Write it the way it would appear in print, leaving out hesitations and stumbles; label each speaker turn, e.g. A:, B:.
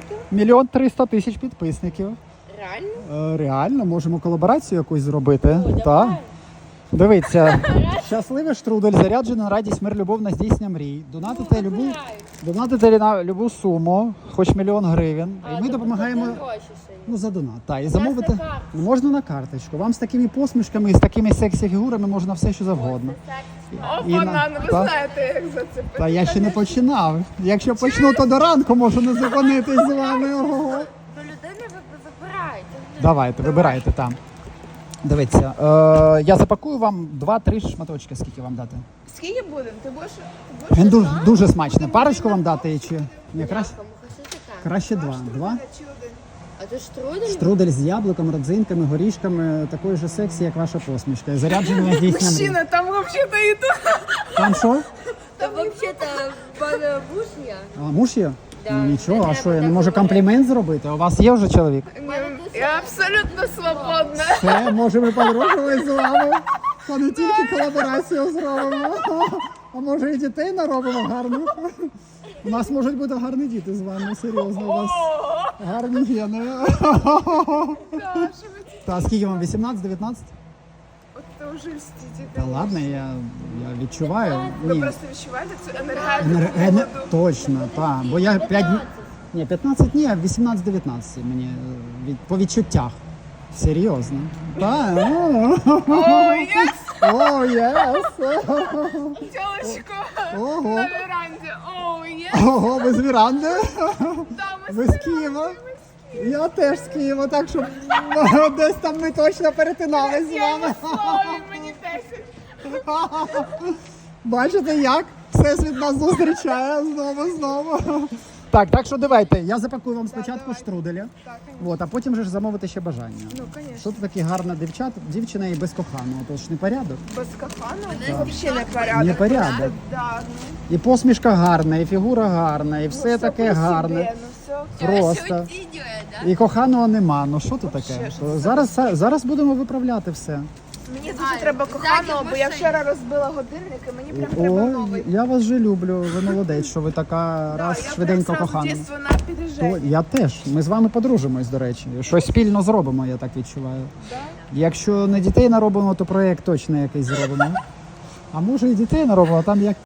A: підписників?
B: 1 300 000 підписників.
A: Реально?
B: Реально, можемо колаборацію якусь зробити.
A: О,
B: Так.
A: давай.
B: Дивіться, щасливий штрудель, заряджений на радість, мир, любов, на здійснення мрій. Донатите на любу суму, хоч 1 000 000 гривень. І ми допомагаємо за донат. Так, і замовити
A: на карточку.
B: можна на карточку. Вам з такими посмішками і з такими сексі фігурами можна все, що завгодно.
C: О, банан, ви знаєте, як зацепити.
B: Та я ще не починав. Якщо почну, то до ранку можу не зупинитись з вами. Ого.
A: До людини ви вибираєте.
B: Давайте, вибирайте там. Дивіться, я запакую вам 2-3 шматочки, скільки вам дати.
C: Скільки будемо? Ти будеш
B: Він дуже смачний. Парочку вам дати чи ні? Краще 2.
C: чи один?
A: А ти штрудель?
B: Штрудель з яблуком, родзинками, горішками, такої ж сексі, як ваша посмішка. І заряджений на здійснення мрій.
C: Мужчина, там взагалі-то і тут.
B: Там що?
A: Та взагалі-то в мене муж є.
B: А муж є?
A: Да.
B: Ну, нічого, а
A: Не
B: що, я не
A: треба
B: можу
A: так
B: комплімент зробити? У вас є вже чоловік?
C: Я абсолютно свободна.
B: Все, можемо подружувати з вами. Та не тільки колаборацію зробимо, а може і дітей наробимо гарних. У нас можуть бути гарні діти з вами, серйозно, у вас гарні гени. Та скільки вам, 18-19?
C: От це вже льстите.
B: Та ладно, я відчуваю.
C: Ви
B: Ні,
C: просто відчуваєте цю енергетику холоду?
B: точно, так. Бо я 5 ні, 15 ні, 18-19 мені по відчуттях. Серйозно. Так.
C: О, єс!
B: О, єс!
C: Тілочко
B: Ого.
C: на веранді. О, єс!
B: Ого, ви з Віранди?
C: Там
B: Ви з Києва? Я теж з Києва, так що десь там ми точно перетинались з вами.
C: слові мені 10.
B: Бачите, як Всесвіт нас зустрічає знову. Так що давайте, я запакую вам спочатку штруделя, от, а потім же ж замовити ще бажання.
C: Ну, звісно.
B: Що це таке гарна дівчина і без коханого, то ж не порядок.
C: Без кафану? Взагалі не порядок.
B: Не порядок.
C: Да,
B: І посмішка гарна, і фігура гарна, і все
C: ну,
B: таке
C: про себе,
B: гарне.
C: ну, все.
B: Просто. І коханого нема. Ну що тут таке? То зараз будемо виправляти все.
C: Мені дуже треба коханого, бо я вчора розбила годинник і мені прям треба
B: О,
C: новий.
B: я вас же люблю, ви молодець, що ви така
C: Да,
B: раз
C: я
B: швиденько
C: прям сразу
B: кохана.
C: дійсно на під'їжджанні.
B: Я теж. Ми з вами подружимось, до речі. Щось спільно зробимо, я так відчуваю.
C: Да?
B: Якщо не дітей наробимо, то проєкт точно якийсь зробимо. А може і дітей наробимо, а там як